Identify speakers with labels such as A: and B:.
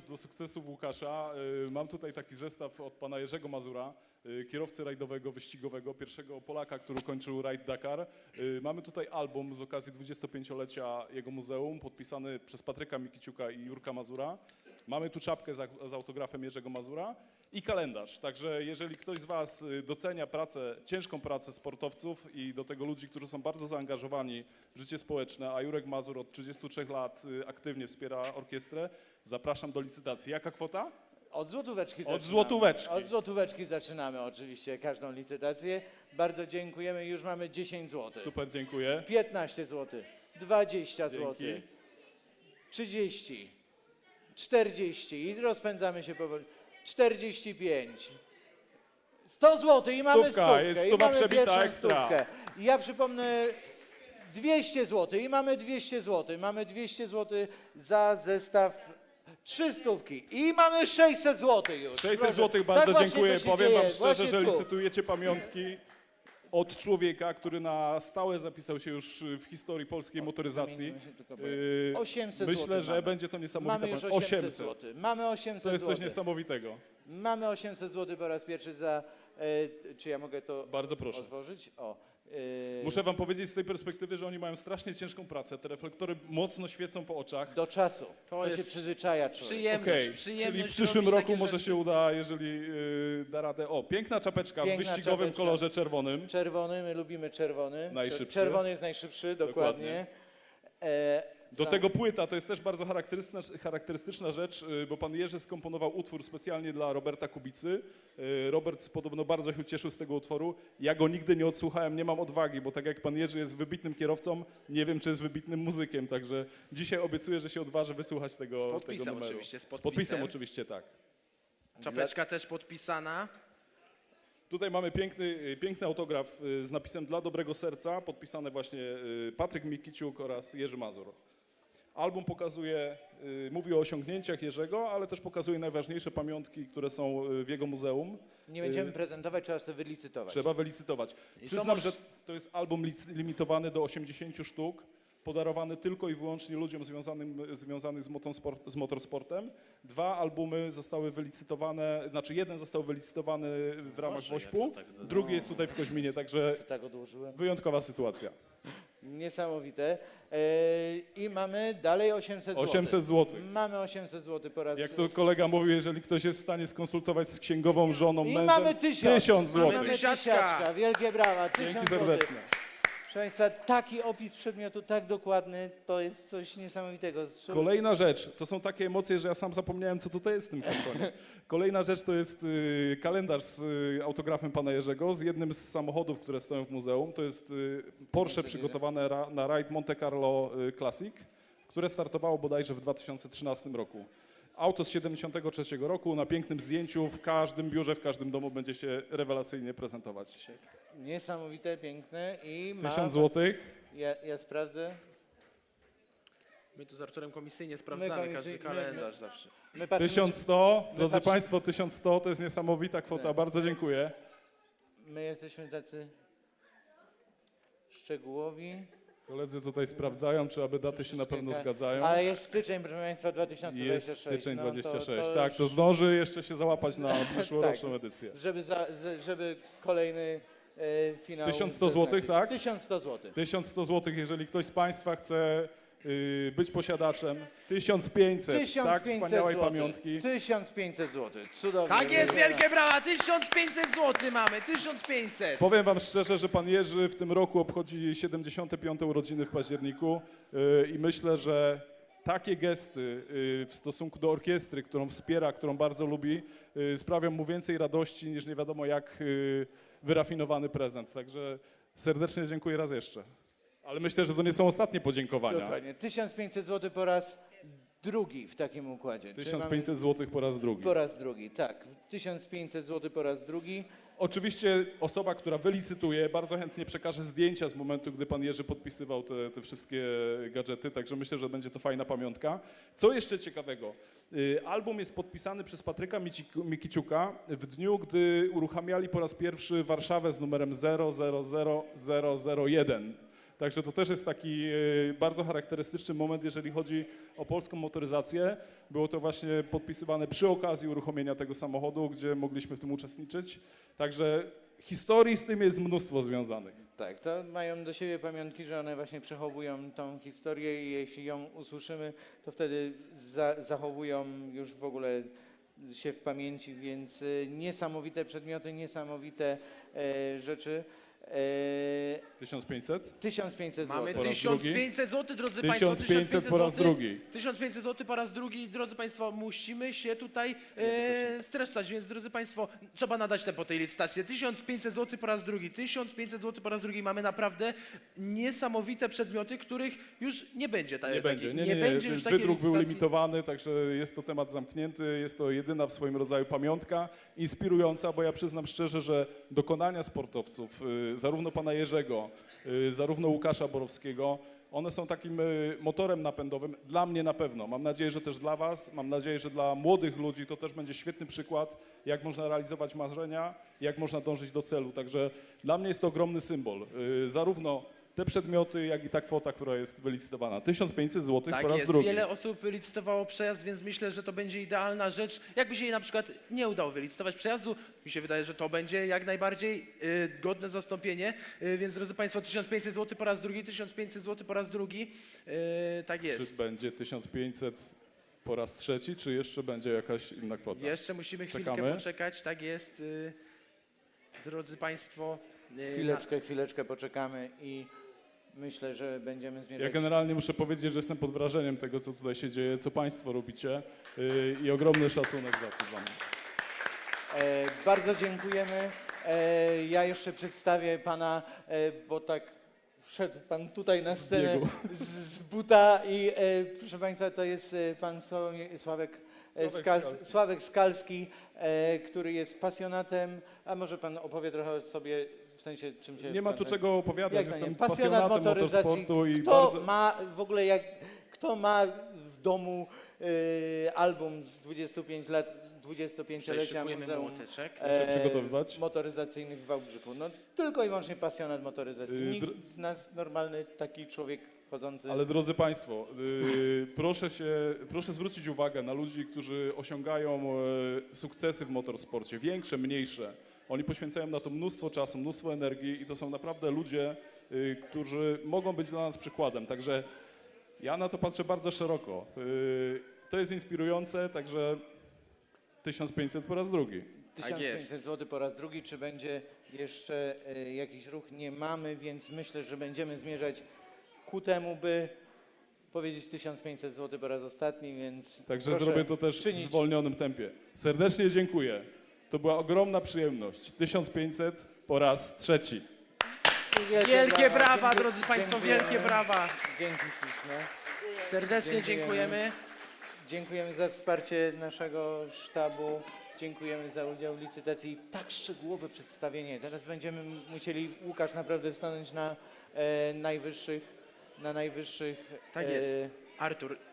A: nawiązując do sukcesów Łukasza, mam tutaj taki zestaw od pana Jerzego Mazura, kierowcy rajdowego, wyścigowego, pierwszego Polaka, który kończył rajd Dakar. Mamy tutaj album z okazji 25-lecia jego muzeum, podpisany przez Patryka Mikiciuka i Jurka Mazura. Mamy tu czapkę z autografem Jerzego Mazura i kalendarz. Także jeżeli ktoś z was docenia pracę, ciężką pracę sportowców i do tego ludzi, którzy są bardzo zaangażowani w życie społeczne, a Jurek Mazur od 33 lat aktywnie wspiera orkiestrę, zapraszam do licytacji. Jaka kwota?
B: Od złotóweczki
A: Od złotóweczki.
B: Od złotóweczki zaczynamy oczywiście każdą licytację. Bardzo dziękujemy. Już mamy 10 zł.
A: Super, dziękuję.
B: 15 zł. 20 zł.
A: Dzięki.
B: 30. 40. I rozpędzamy się powoli. 45. 100 zł i mamy
A: Stówka,
B: stówkę.
A: jest
B: I
A: stuwa
B: mamy
A: przebita
B: pierwszą
A: ekstra.
B: stówkę. I ja przypomnę 200 zł i mamy 200 zł. Mamy 200 zł za zestaw 300 i mamy 600 zł już.
A: 600
B: Proszę.
A: zł, bardzo
B: Tak właśnie
A: dziękuję.
B: to się
A: Powiem
B: dzieje,
A: wam szczerze,
B: właśnie
A: że
B: tu.
A: licytujecie pamiątki od człowieka, który na stałe zapisał się już w historii polskiej motoryzacji.
B: Zamienimy się tylko, bo 800
A: Myślę,
B: zł
A: że
B: mamy.
A: będzie to niesamowite.
B: Mamy już 800 zł. Mamy 800
A: To jest coś
B: zł.
A: niesamowitego.
B: Mamy 800 zł po raz pierwszy za... czy ja mogę to
A: Bardzo proszę.
B: otworzyć?
A: Muszę wam powiedzieć z tej perspektywy, że oni mają strasznie ciężką pracę. Te reflektory mocno świecą po oczach.
B: Do czasu. To
C: jest
B: się przyzwyczaja człowiek.
C: Przyjemność,
A: Okej,
C: przyjemność
A: czyli w przyszłym
C: robić
A: roku
C: takie
A: może
C: rzeczy.
A: się uda, jeżeli da radę. O, piękna czapeczka
B: Piękna
A: w wyścigowym
B: czapeczka.
A: kolorze czerwonym.
B: Czerwony, my lubimy czerwony.
A: Najszybszy.
B: Czerwony jest najszybszy, dokładnie.
A: Do tego płyta, to jest też bardzo charakterystyczna rzecz, bo pan Jerzy skomponował utwór specjalnie dla Roberta Kubicy. Robert podobno bardzo się cieszył z tego utworu. Ja go nigdy nie odsłuchałem, nie mam odwagi, bo tak jak pan Jerzy jest wybitnym kierowcą, nie wiem, czy jest wybitnym muzykiem, także dzisiaj obiecuję, że się odważę wysłuchać tego,
C: Z podpisem
A: tego numeru.
C: oczywiście, z
A: Z podpisem
C: podpisem.
A: oczywiście, tak.
C: Czapeczka też podpisana.
A: Tutaj mamy piękny autograf z napisem Dla dobrego serca, podpisane właśnie Patryk Mikiciuk oraz Jerzy Mazur. Album pokazuje, mówi o osiągnięciach Jerzego, ale też pokazuje najważniejsze pamiątki, które są w jego muzeum.
B: Nie będziemy prezentować, trzeba to wylicytować.
A: Trzeba wylicytować.
C: I
A: Przyznam,
C: są-
A: że to jest album limitowany do 80 sztuk, podarowany tylko i wyłącznie ludziom związanych z motorsportem. 2 albumy zostały wylicytowane, znaczy jeden został wylicytowany w ramach
C: Boże,
A: Wośpu,
C: jak to tak do-
A: drugi jest tutaj w Koźminie, także
B: Tak odłożyłem.
A: wyjątkowa sytuacja.
B: Niesamowite. I mamy dalej 800 zł.
A: 800 zł.
B: Mamy 800 zł po raz...
A: Jak to kolega mówił, jeżeli ktoś jest w stanie skonsultować z księgową żoną,
B: I
A: mężem,
B: mamy 1000.
A: 1000 zł.
B: Mamy
C: Tysiaczka.
B: tysiaczka. Wielkie brawa. 1000
A: Dzięki
B: złotych.
A: serdeczne.
B: Proszę Państwa, taki opis przedmiotu, tak dokładny, to jest coś niesamowitego.
A: Kolejna rzecz, to są takie emocje, że ja sam zapomniałem, co tutaj jest w tym kartonie. Kolejna rzecz to jest kalendarz z autografem pana Jerzego, z jednym z samochodów, które stoją w muzeum. To jest Porsche przygotowane na rajd Monte Carlo Classic, które startowało bodajże w 2013 roku. Auto z 73 roku na pięknym zdjęciu, w każdym biurze, w każdym domu będzie się rewelacyjnie prezentować.
B: Niesamowite, piękne i ma...
A: 1000 złotych.
B: Ja sprawdzę.
C: My tu z Arturem komisyjnie sprawdzamy każdy kalendarz zawsze.
B: My patrzymy,
A: 1100, drodzy
B: patrzymy-
A: Państwo, 1100 to jest niesamowita kwota,
B: Tak.
A: bardzo dziękuję.
B: my jesteśmy tacy szczegółowi.
A: Koledzy tutaj sprawdzają, czy aby daty się na pewno zgadzają.
B: Ale jest styczeń, proszę Państwa, 2026.
A: Jest styczeń
B: No
A: 26,
B: to
A: tak, to
B: już-
A: zdąży jeszcze się załapać na przyszłoroczną edycję.
B: żeby kolejny finał...
A: 1100 złotych, tak?
B: 1100 zł.
A: 1100 zł, jeżeli ktoś z Państwa chce być posiadaczem. 1500, tak, wspaniałej pamiątki.
B: 1500 zł. Cudownie.
C: Tak jest, wielkie brawa, 1500 zł mamy, 1500.
A: Powiem Wam szczerze, że Pan Jerzy w tym roku obchodzi 75. urodziny w październiku i myślę, że takie gesty w stosunku do orkiestry, którą wspiera, którą bardzo lubi, sprawią mu więcej radości niż nie wiadomo jak wyrafinowany prezent. Także serdecznie dziękuję raz jeszcze. Ale myślę, że to nie są ostatnie podziękowania.
B: Dokładnie. 1500 zł po raz drugi w takim układzie. Czyli
A: 1500 zł po raz drugi.
B: mamy po raz drugi, tak. 1500 zł po raz drugi.
A: Oczywiście osoba, która wylicytuje, bardzo chętnie przekaże zdjęcia z momentu, gdy pan Jerzy podpisywał te wszystkie gadżety, także myślę, że będzie to fajna pamiątka. Co jeszcze ciekawego? Album jest podpisany przez Patryka Mikiciuka w dniu, gdy uruchamiali po raz pierwszy Warszawę z numerem 000001. Także to też jest taki bardzo charakterystyczny moment, jeżeli chodzi o polską motoryzację. Było to właśnie podpisywane przy okazji uruchomienia tego samochodu, gdzie mogliśmy w tym uczestniczyć. Także historii z tym jest mnóstwo związanych.
B: Tak, to mają do siebie pamiątki, że one właśnie przechowują tą historię i jeśli ją usłyszymy, to wtedy zachowują już w ogóle się w pamięci, więc niesamowite przedmioty, niesamowite rzeczy.
A: 1500?
B: 1500
C: Mamy
B: zł.
A: raz
C: 1500 zł, drodzy Państwo.
A: 1500 po raz
C: złotych.
A: drugi.
C: 1500 zł po raz drugi, drodzy Państwo, musimy się tutaj streszczać, więc drodzy Państwo, trzeba nadać tempo tej licytacji. 1500 zł po raz drugi, 1500 zł po raz drugi. Mamy naprawdę niesamowite przedmioty, których już nie będzie.
A: Nie będzie, nie.
C: będzie już takiej
A: Wydruk był
C: licytacji.
A: limitowany, także jest to temat zamknięty, jest to jedyna w swoim rodzaju pamiątka, inspirująca, bo ja przyznam szczerze, że dokonania sportowców, zarówno pana Jerzego, zarówno Łukasza Borowskiego, one są takim motorem napędowym, dla mnie na pewno. Mam nadzieję, że też dla was, mam nadzieję, że dla młodych ludzi to też będzie świetny przykład, jak można realizować marzenia, jak można dążyć do celu. Także dla mnie jest to ogromny symbol, zarówno te przedmioty, jak i ta kwota, która jest wylicytowana. 1500 zł
C: Tak
A: po raz
C: jest,
A: drugi.
C: wiele osób licytowało przejazd, więc myślę, że to będzie idealna rzecz. Jakby się jej na przykład nie udało wylicytować przejazdu, mi się wydaje, że to będzie jak najbardziej godne zastąpienie. Więc drodzy Państwo, 1500 zł po raz drugi, 1500 zł po raz drugi. Tak
A: Czy
C: jest.
A: będzie 1500 po raz trzeci, czy jeszcze będzie jakaś inna kwota?
C: Jeszcze musimy chwilkę
A: Czekamy.
C: poczekać, tak jest. Drodzy Państwo.
B: Chwileczkę poczekamy i myślę, że będziemy
A: Ja
B: zmierzać.
A: generalnie muszę powiedzieć, że jestem pod wrażeniem tego, co tutaj się dzieje, co Państwo robicie i ogromny szacunek za to dla mnie.
B: Bardzo dziękujemy. Ja jeszcze przedstawię pana, bo tak wszedł pan tutaj na
A: Z
B: scenę
A: biegu.
B: z buta i proszę państwa, to jest pan Sławek Skalski, który jest pasjonatem, a może pan opowie trochę o sobie, w sensie czym się...
A: Nie ma tu czego opowiadać,
B: Jak to
A: jestem
B: nie? Pasjonat
A: pasjonatem
B: motoryzacji.
A: motorsportu i
B: Kto
A: bardzo...
B: ma w ogóle, kto ma w domu album z 25 lat, 25-lecia
C: Szykujemy
B: Muzeum
C: młoteczek.
A: Muszę przygotowywać.
B: motoryzacyjnych w Wałbrzychu. No tylko i wyłącznie pasjonat motoryzacji.
A: Dr-
B: Nikt z nas normalny taki człowiek chodzący.
A: Ale drodzy Państwo, proszę zwrócić uwagę na ludzi, którzy osiągają sukcesy w motorsporcie, większe, mniejsze. Oni poświęcają na to mnóstwo czasu, mnóstwo energii i to są naprawdę ludzie, którzy mogą być dla nas przykładem. Także ja na to patrzę bardzo szeroko. To jest inspirujące, także 1500 po raz drugi.
C: Tak
B: 1500 zł po raz drugi. Czy będzie jeszcze jakiś ruch? Nie mamy, więc myślę, że będziemy zmierzać ku temu, by powiedzieć 1500 zł po raz ostatni, więc
A: Także
B: proszę
A: zrobię to też w
B: czynić.
A: zwolnionym tempie. Serdecznie dziękuję. To była ogromna przyjemność. 1500 po raz trzeci.
C: Wielkie brawa,
B: Dziękuję-
C: drodzy Państwo,
B: dziękujemy.
C: wielkie brawa.
B: Dzięki śliczne.
C: Serdecznie
B: Dziękujemy.
C: dziękujemy.
B: Dziękujemy za wsparcie naszego sztabu. Dziękujemy za udział w licytacji i tak szczegółowe przedstawienie. Teraz będziemy musieli, Łukasz, naprawdę stanąć na najwyższych.
C: Tak jest. Artur,